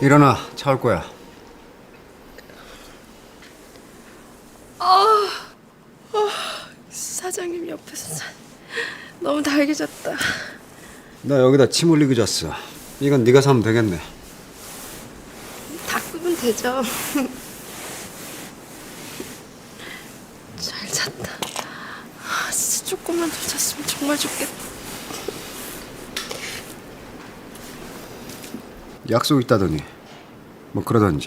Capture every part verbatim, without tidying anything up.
일어나, 차 올 거야. 아, 아, 사장님 옆에서 자, 너무 달개졌다. 나 여기다 침 흘리고 잤어. 이건 네가 사면 되겠네. 닦으면 되죠. 잘 잤다. 아, 진짜 조금만 더 잤으면 정말 좋겠다. 약속 있다더니 뭐 그러던지.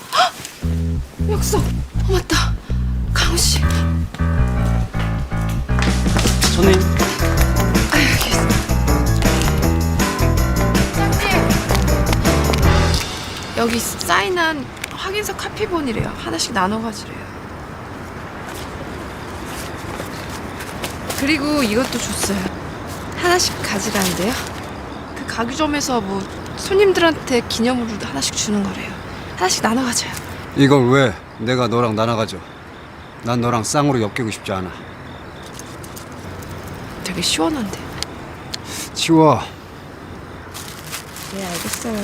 약속. 어, 맞다. 강우 씨. 손님. 아, 여기 있어. 사장님. 여기 사인한 확인서 카피본이래요. 하나씩 나눠 가지래요. 그리고 이것도 줬어요. 하나씩 가지라는데요. 그 가구점에서 뭐 손님들한테 기념으로 하나씩 주는 거래요. 하나씩 나눠 가져요. 이걸 왜 내가 너랑 나눠가져? 난 너랑 쌍으로 엮이고 싶지 않아. 되게 시원한데. 치워. 네, 알겠어요.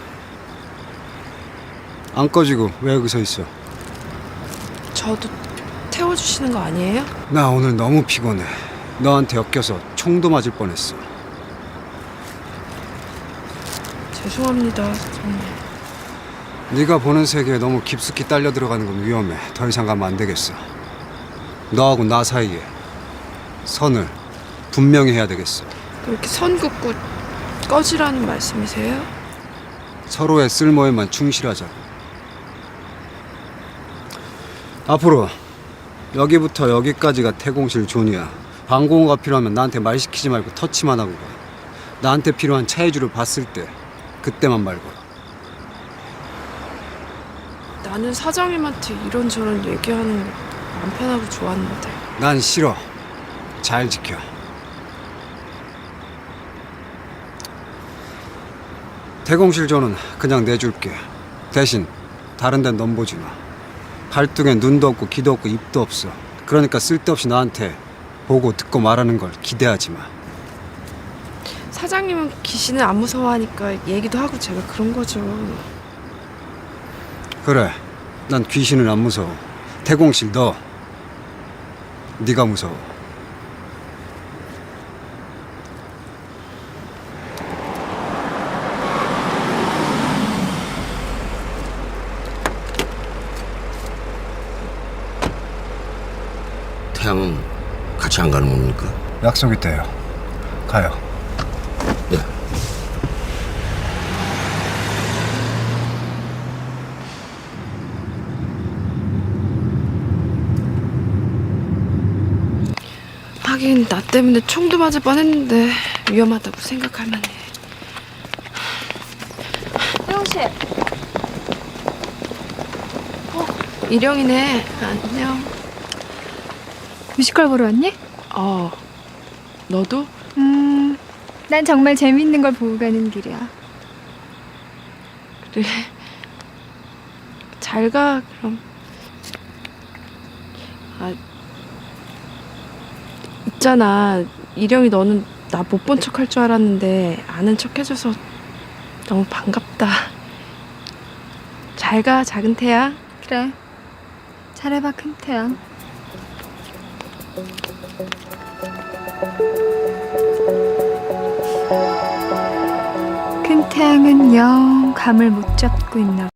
안 꺼지고 왜 여기 서 있어? 저도 태워주시는 거 아니에요? 나 오늘 너무 피곤해. 너한테 엮여서 총도 맞을 뻔했어. 죄송합니다, 사장님. 네가 보는 세계에 너무 깊숙이 딸려 들어가는 건 위험해. 더 이상 가면 안 되겠어. 너하고 나 사이에 선을 분명히 해야 되겠어. 그렇게 선 긋고 꺼지라는 말씀이세요? 서로의 쓸모에만 충실하자. 앞으로 여기부터 여기까지가 태공실 존이야. 방공호가 필요하면 나한테 말 시키지 말고 터치만 하고 가. 나한테 필요한 차해주를 봤을 때 그때만 말 걸어. 나는 사장님한테 이런저런 얘기하는 거 안 편하고 좋았는데. 난 싫어. 잘 지켜. 태공실 존은 그냥 내줄게. 대신 다른 데는 넌 보지 마. 팔뚝엔 눈도 없고 귀도 없고 입도 없어. 그러니까 쓸데없이 나한테 보고 듣고 말하는 걸 기대하지 마. 사장님은 귀신을 안 무서워하니까 얘기도 하고 제가 그런 거죠. 그래, 난 귀신을 안 무서워. 태공실 너, 네가 무서워. 태양은 같이 안 가는 겁니까? 약속 있대요. 가요. 네. 하긴 나 때문에 총도 맞을 뻔했는데 위험하다고 생각할 만해. 태영 씨. 어, 일영이네. 안녕. 뮤지컬 보러 왔니? 어, 너도? 음, 난 정말 재밌는 걸 보고 가는 길이야. 그래. 잘 가, 그럼. 아, 있잖아. 일영이 너는 나 못 본 척 할 줄 알았는데 아는 척 해줘서 너무 반갑다. 잘 가, 작은 태양. 그래, 잘해봐, 큰 태양. 큰 태양은 영 감을 못 잡고 있나 봐.